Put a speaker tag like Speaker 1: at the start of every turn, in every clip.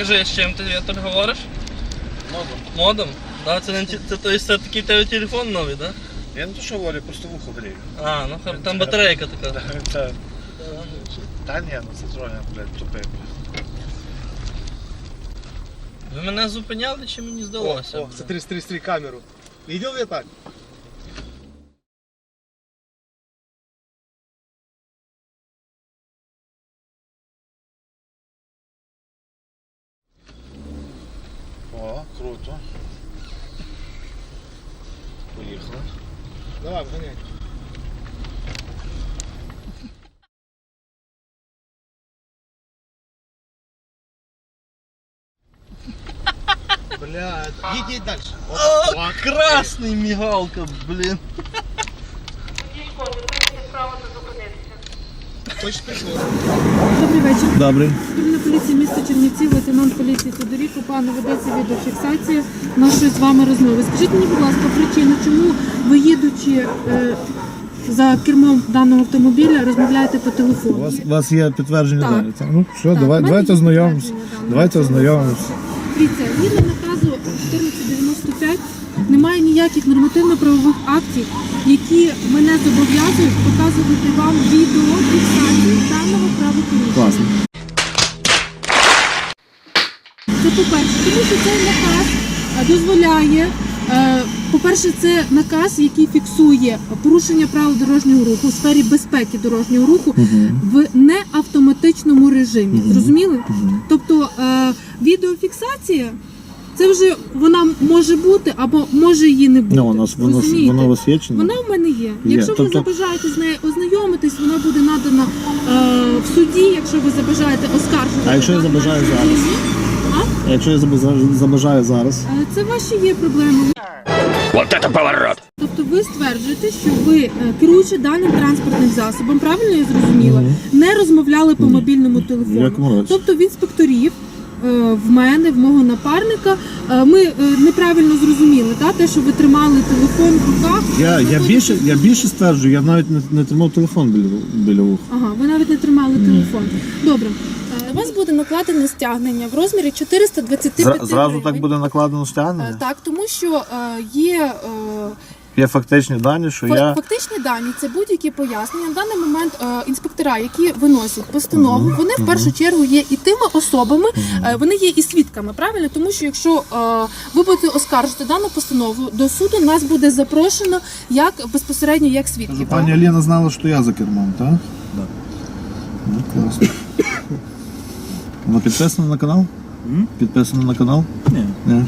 Speaker 1: Скажи, з чим ти тут говориш?
Speaker 2: Модом.
Speaker 1: Модом? Да, це такий тебе телефон новий, так?
Speaker 2: Я не то що говорю, просто вухо грію.
Speaker 1: А, ну там батарейка така.
Speaker 2: Та ні, ну це троє, блядь, тупий.
Speaker 1: Ви мене зупиняли чи мені здалося?
Speaker 3: О, смотри камеру. Видел я так?
Speaker 2: О, круто. Поїхали.
Speaker 3: Давай, вгоняй. Бля, едь дальше.
Speaker 1: О, красний мігалка, блін.
Speaker 3: Точно пішло.
Speaker 4: Добрий вечір.
Speaker 1: Добрий.
Speaker 4: Патрульна поліція міста Чернівців, лейтенант поліції Тодоріко. Пане, ведеться відеофіксація нашої з вами розмови. Скажіть мені, будь ласка, причину, чому ви, їдучи за кермом даного автомобіля, розмовляєте по телефону?
Speaker 5: У вас є підтвердження
Speaker 4: Так.
Speaker 5: дані? Ну, все,
Speaker 4: Так, в мене
Speaker 5: давайте
Speaker 4: є
Speaker 5: ознайомимося.
Speaker 4: підтвердження даного.
Speaker 5: Давайте ознайомимося.
Speaker 4: Дивіться, згідно наказу 1495 немає ніяких нормативно-правових актів, які мене зобов'язують показувати вам відеофіксацію даного правопорушення.
Speaker 5: Класно.
Speaker 4: Це по-перше, тому що цей наказ дозволяє, по-перше, це наказ, який фіксує порушення правил дорожнього руху у сфері безпеки дорожнього руху в неавтоматичному режимі. Зрозуміли? Тобто відеофіксація, це вже вона може бути або може її не бути.
Speaker 5: Ну,
Speaker 4: Розумієте?
Speaker 5: воно висвічено.
Speaker 4: Вона в мене є. Якщо ви
Speaker 5: Тобто-
Speaker 4: забажаєте з нею ознайомитись, вона буде надана в суді, якщо ви забажаєте оскаржити.
Speaker 5: А якщо я забажаю зараз? А якщо я забажаю зараз?
Speaker 4: Це ваші є проблеми.
Speaker 6: Вот это поворот!
Speaker 4: Тобто ви стверджуєте, що ви, керуючи даним транспортним засобом, правильно я зрозуміла, не розмовляли по мобільному телефону.
Speaker 5: В якому разі?
Speaker 4: Тобто в інспекторів, в мене, в мого напарника, ми неправильно зрозуміли, те, що ви тримали телефон в руках.
Speaker 5: Я більше стверджую, я навіть не тримав телефон біля вуха.
Speaker 4: Ага, ви навіть не тримали телефон. Добре. На вас буде накладене стягнення в розмірі 425
Speaker 5: Зразу
Speaker 4: гривень.
Speaker 5: так буде накладено стягнення?
Speaker 4: Так, тому що є
Speaker 5: Є фактичні дані, що я...
Speaker 4: фактичні дані, це будь-які пояснення. На даний момент інспектора, які виносять постанову, вони в першу чергу є і тими особами, вони є і свідками, правильно? Тому що якщо ви будете оскаржити дану постанову, до суду нас буде запрошено як безпосередньо як свідків.
Speaker 5: Пані Аліна знала, що я за кермом, так? Так. Ну, класно. Вона підписана на канал? Підписана на канал? Ні.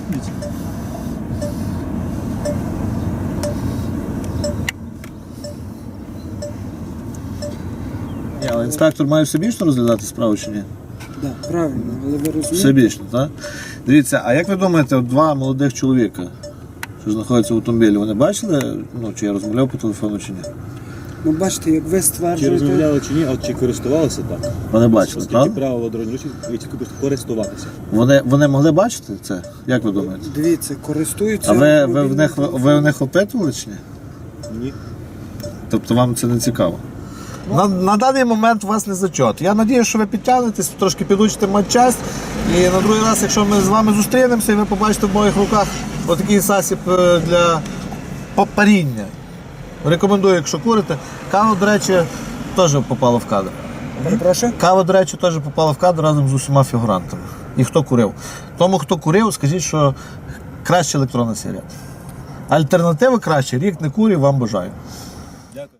Speaker 5: Але інспектор має всебічно розглядати справу чи ні?
Speaker 7: Так, правильно, але ви розумієте?
Speaker 5: Всебічно, так? Дивіться, а як ви думаєте, от два молодих чоловіка, що знаходяться в автомобілі, вони бачили, чи я розмовляв по телефону чи ні?
Speaker 7: Ну, бачите, як ви
Speaker 8: Чи
Speaker 7: стверджуєте,
Speaker 8: розмовляли чи ні, а чи користувалися так?
Speaker 5: Вони бачили,
Speaker 8: Оскільки
Speaker 5: правда?
Speaker 8: правило дорожнього руху, ви тільки просто користуватися.
Speaker 5: Вони могли бачити це? Як ви думаєте?
Speaker 7: дивіться, користуються...
Speaker 5: А ви
Speaker 7: мобільним
Speaker 5: в них опитували чи ні?
Speaker 8: Ні.
Speaker 5: Тобто вам це не цікаво? На даний момент у вас не зачет. Я сподіваюся, що ви підтягнетесь, трошки підучите матчасть. І на другий раз, якщо ми з вами зустрінемося, і ви побачите в моїх руках отакий засіб для паріння. Рекомендую, якщо курите. Кава, до речі, теж попала в кадр.
Speaker 7: Прошу?
Speaker 5: Кава, до речі, теж попала в кадр разом з усіма фігурантами. І хто курив. Тому, хто курив, скажіть, що краще електронна сигарета. Альтернативи краще. Рік не курів, вам бажаю.